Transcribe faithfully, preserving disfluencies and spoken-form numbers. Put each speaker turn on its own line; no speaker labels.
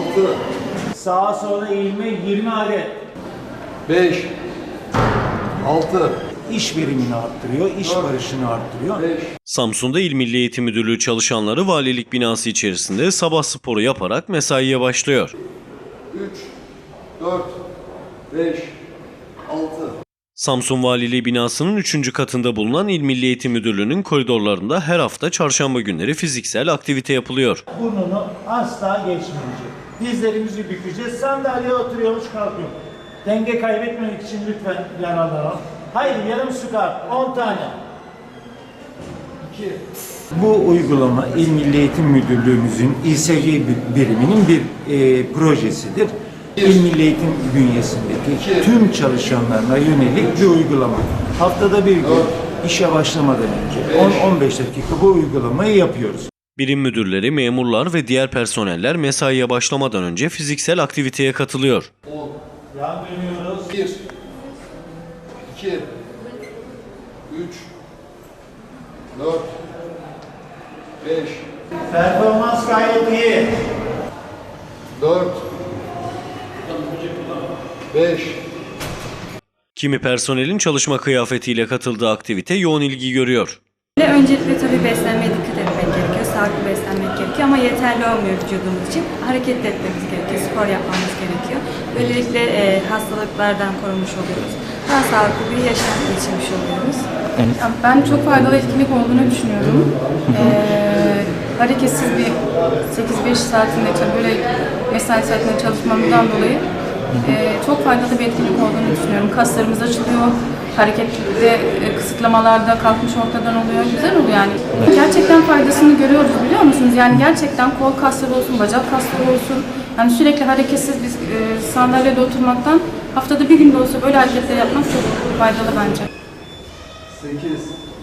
altı.
Sağa sola eğilme yirmi adet.
beş. altı.
İş verimini arttırıyor, iş barışını arttırıyor.
beş.
Samsun'da İl Milli Eğitim Müdürlüğü çalışanları valilik binası içerisinde sabah sporu yaparak mesaiye başlıyor.
üç. dört. beş. altı.
Samsun Valiliği binasının üçüncü katında bulunan İl Milli Eğitim Müdürlüğü'nün koridorlarında her hafta çarşamba günleri fiziksel aktivite yapılıyor.
Burnunu asla geçmeyecek. Dizlerimizi bükeceğiz. Sandalyeye oturuyormuş kalkıyor. Denge kaybetmemek için lütfen yararlanalım. Haydi yarım squat on tane.
iki.
Bu uygulama İl Milli Eğitim Müdürlüğümüzün İ S G biriminin bir e, projesidir. İl Milli Eğitim bünyesindeki tüm çalışanlarına yönelik bir uygulama. Haftada bir gün işe başlamadan önce on on beş dakika bu uygulamayı yapıyoruz.
Birim müdürleri, memurlar ve diğer personeller mesaiye başlamadan önce fiziksel aktiviteye katılıyor.
on.
Yan dönüyoruz.
bir. iki. üç. dört. beş.
Performans gayet iyi.
dört. beş.
Kimi personelin çalışma kıyafetiyle katıldığı aktivite yoğun ilgi görüyor.
Öncelikle tabii beslenmeye dikkat etmek gerekiyor, sağlıklı beslenmek gerekiyor ama yeterli olmuyor vücudumuz için. Hareket etmemiz gerekiyor, spor yapmamız gerekiyor. Böylelikle e, hastalıklardan korunmuş oluyoruz. Daha sağlıklı bir yaşam geçirmiş oluyoruz.
Yani ben çok faydalı etkinlik olduğunu düşünüyorum. Ee, hareketsiz bir sekiz beş saatinde böyle mesai saatinde çalışmamızdan dolayı e, çok faydalı bir etkinlik olduğunu düşünüyorum. Kaslarımız açılıyor, harekette e, kısıtlamalarda kalkmış ortadan oluyor, güzel oluyor yani. Gerçekten faydasını görüyoruz biliyor musunuz? Yani gerçekten kol kasları olsun, bacak kasları olsun. Yani sürekli hareketsiz bir e, sandalyede oturmaktan haftada bir gün de olsa böyle hareketler yapmak çok faydalı bence.
sekiz.